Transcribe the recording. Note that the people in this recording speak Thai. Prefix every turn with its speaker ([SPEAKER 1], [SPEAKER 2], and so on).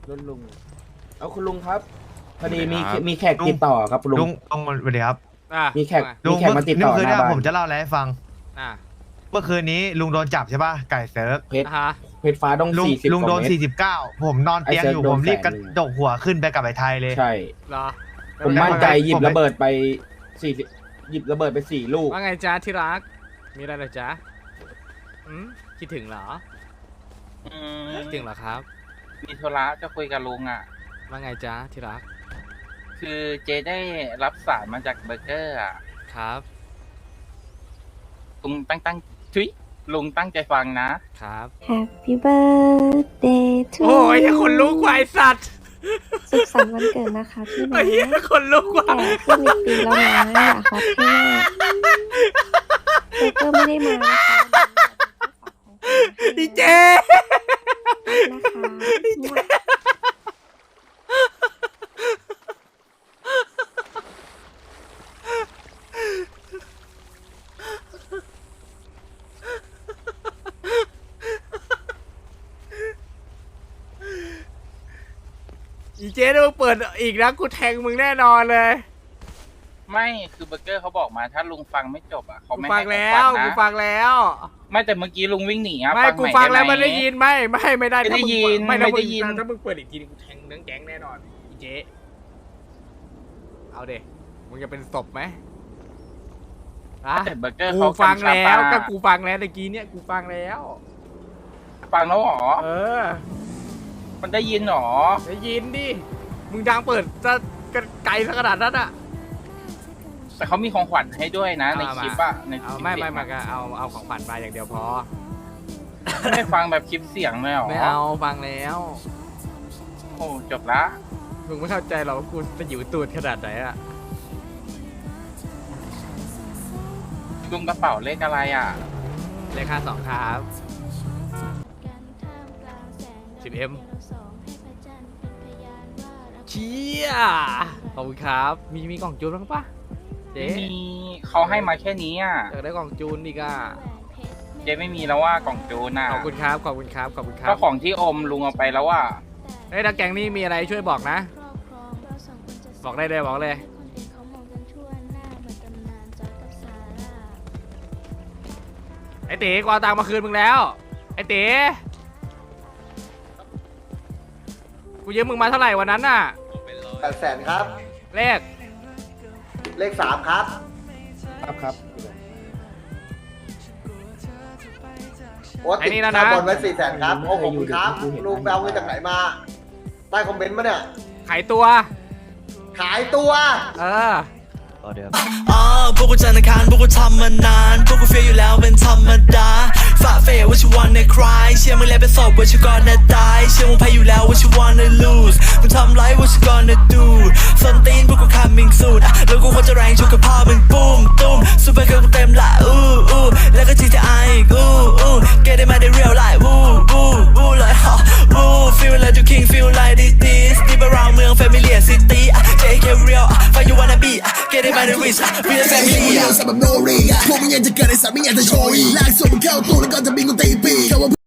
[SPEAKER 1] รุ่นลุงเอาคุณลุงครับพอดีมีแขก
[SPEAKER 2] ลุง
[SPEAKER 1] ติดต่อครับลุง
[SPEAKER 2] ลุงสวัสดีครับ
[SPEAKER 1] มีแขก
[SPEAKER 2] ลุง
[SPEAKER 1] มาติดต่อ
[SPEAKER 2] เมื่อคืน
[SPEAKER 1] หน้า
[SPEAKER 2] เนี่ย
[SPEAKER 1] บ้าน
[SPEAKER 2] ผมจะเล่าอะไรให้ฟัง
[SPEAKER 3] อ่า
[SPEAKER 2] เมื่อคืนนี้ลุงโดนจับใช่ป่ะไก่เซิร์ฟ
[SPEAKER 1] เพชร
[SPEAKER 3] ฮะ
[SPEAKER 1] เพชรฟ้าต้อง
[SPEAKER 2] ลุง
[SPEAKER 1] 40
[SPEAKER 2] ลุงโดน
[SPEAKER 1] กว่าเมตร
[SPEAKER 2] 49ผมนอนเตียงอยู่
[SPEAKER 1] ไอ้เซิร์ฟโดน
[SPEAKER 2] ผมรีบกระ
[SPEAKER 1] 100,000
[SPEAKER 2] ดกหัวขึ้นไปกับไอ้ไทยเลย
[SPEAKER 1] ใช่
[SPEAKER 3] เหรอ
[SPEAKER 1] ผมมั่นใจหยิบ
[SPEAKER 2] ผม
[SPEAKER 1] ระเบิดไป40หยิบระเบิดไป4 ลูก
[SPEAKER 3] ว่าไงจ๊ะที่รัก มีอะไรเหรอจ๊ะคิดถึงเหรอคิดถึงเหรอครับ
[SPEAKER 4] มีธุระจะคุยกับลุงอ่ะ
[SPEAKER 3] ว่าไงจ๊ะที่รัก
[SPEAKER 4] คือเจได้รับสารมาจากเบอร์เกอร์อ่ะ
[SPEAKER 3] ครับ
[SPEAKER 4] ลุงลุงตั้งใจฟังนะ
[SPEAKER 3] ครับ
[SPEAKER 5] Happy birthday to
[SPEAKER 3] โอ้ยคนลุกว่ะไอ้สัตว์
[SPEAKER 5] สุขสันต์วันเกิดนะคะพี่นะ
[SPEAKER 3] ไอ้เหี้ยคนลุกว่ะ
[SPEAKER 5] แก่ขึ้นอีกปีแล้วนะอย่าฮอตพี่มากเบเกอร์ไม่ได้มานะคะ
[SPEAKER 3] ดีเจ
[SPEAKER 5] นะคะ
[SPEAKER 3] อีเจถ้ามึงเปิดอีกนะกูแทงมึงแน่นอนเลย
[SPEAKER 4] ไม่คือเบอร์เกอร์เขาบอกมาถ้าลุงฟังไม่จบอ่ะเขา
[SPEAKER 3] กู
[SPEAKER 4] ไม่
[SPEAKER 3] ฟั
[SPEAKER 4] ให้
[SPEAKER 3] ง
[SPEAKER 4] ผม
[SPEAKER 3] แล้
[SPEAKER 4] ฟั
[SPEAKER 3] ว
[SPEAKER 4] งนะ
[SPEAKER 3] กูฟังแล้ว
[SPEAKER 4] ไม่แต่เมื่อกี้ลุงวิ่งหนีอ่ะ
[SPEAKER 3] ไม่
[SPEAKER 4] ฟัง
[SPEAKER 3] กู
[SPEAKER 4] ใหม่
[SPEAKER 3] ฟังแล้ว
[SPEAKER 4] ห
[SPEAKER 3] มันได้ยินไม่ได้
[SPEAKER 4] ไม่ได้ยิน
[SPEAKER 3] ไม่ได้
[SPEAKER 4] ไม่ได้ยิน
[SPEAKER 3] ถ้ามึงเปิดอีกทีนึงกูแทงเนื้อแก๊งแน่นอนอีเจเอาเด็มึงจะเป็นศพไหมอะ
[SPEAKER 4] แต่เบอร์เกอร์
[SPEAKER 3] กู
[SPEAKER 4] เขา
[SPEAKER 3] ฟัง
[SPEAKER 4] กำชับ
[SPEAKER 3] แล้ว
[SPEAKER 4] มา
[SPEAKER 3] ก็กูฟังแล้วตะกี้เนี่ยกูฟังแล้ว
[SPEAKER 4] ฟังแล้วเหรอ
[SPEAKER 3] เออ
[SPEAKER 4] มันได้ยินเหรอ
[SPEAKER 3] ได้ยินดิมึงดังเปิดจะไกลสักขนาดนั้นอะ
[SPEAKER 4] แต่เขามีของขวัญให้ด้วยนะ ใน
[SPEAKER 3] เอา
[SPEAKER 4] ค
[SPEAKER 3] มา
[SPEAKER 4] ลิปอ่ะในค
[SPEAKER 3] เอา
[SPEAKER 4] ลิป
[SPEAKER 3] ไม่
[SPEAKER 4] เสียง
[SPEAKER 3] มา
[SPEAKER 4] อะ
[SPEAKER 3] ก็เอาของขวัญมาอย่างเดียวพอ
[SPEAKER 4] ไม่ได้ฟังแบบคลิปเสียงเลยเหรอ
[SPEAKER 3] ไม่เอาฟังแล้ว
[SPEAKER 4] โอ้จบละ
[SPEAKER 3] มึงไม่เข้าใจหรอกว่ากูจะอยู่ตูดขนาดไหนอะ
[SPEAKER 4] ลุงกระเป๋าเลขอะไรอ่ะ
[SPEAKER 3] เลขค่า2ครับ 10M เชี่ยขอบคุณครับมีกล่องจูนบ้างปะเจ๊
[SPEAKER 4] ไม่มีเขาให้มาแค่นี้อ่ะ
[SPEAKER 3] อยากได้กล่องจูนอีกอะ
[SPEAKER 4] เจไม่มีแล้วว่ากล่องจูนอ่ะ
[SPEAKER 3] ขอบคุณครับขอบคุณครับขอบคุณครั
[SPEAKER 4] ก็
[SPEAKER 3] บ
[SPEAKER 4] ของที่อมลุงเอาไปแล้วว่า
[SPEAKER 3] เฮ้ยถ้าแกงนี้มีอะไรช่วยบอกนะ บอกได้เลยบอกเลยไอ้เต๋กูเอาตังค์มาคืนมึงแล้วไอ้เต๋กูยืมมึงมาเท่าไหร่วันนั้นน่ะ
[SPEAKER 6] 800,000ครับ
[SPEAKER 3] เลข
[SPEAKER 6] เลข 3 ครับ
[SPEAKER 1] ครับ
[SPEAKER 6] โอ้ติดค่าบอลไว้400,000ครับ โอ้ขอบคุณครับ ลุงไปเอาเงินจากไหนมา ใต้คอมเมนต์มาเนี่ย
[SPEAKER 3] ขายตัว
[SPEAKER 6] ขายตัว
[SPEAKER 3] เออ
[SPEAKER 7] พวกกูจันทร์อังคารพวกกูทำมานาน พวกกูเฟียอยู่แล้วเป็นธรรมดาฝ่าเฟยว่าชิวันในคลายเชื่อมึงแล้วเป็นศพว่าชิวก่อนจะตายเชื่อมึงแพ้อยู่แล้วว่าชิวันใน lose มึงทำไรว่าชิก่อนจะ do ส้นตีนพวกกู coming soon แล้วกูควรจะแรงชุกกับพ่อมึงปุ้มตุ้มซูเปอร์เกิร์ลกูเต็มละอู้แล้วก็ GTI อีกget it มาได้ real life เลยฮะfeel like you king feel like this deep around เมือง family and city JK real find you wanna be get it มาได้ rich real family
[SPEAKER 8] พวกมึงยังจะเกิดในสามไม่อยากจะโชยลากส่งมึงเข้าตู้แล้วก็จะบินกูตีปี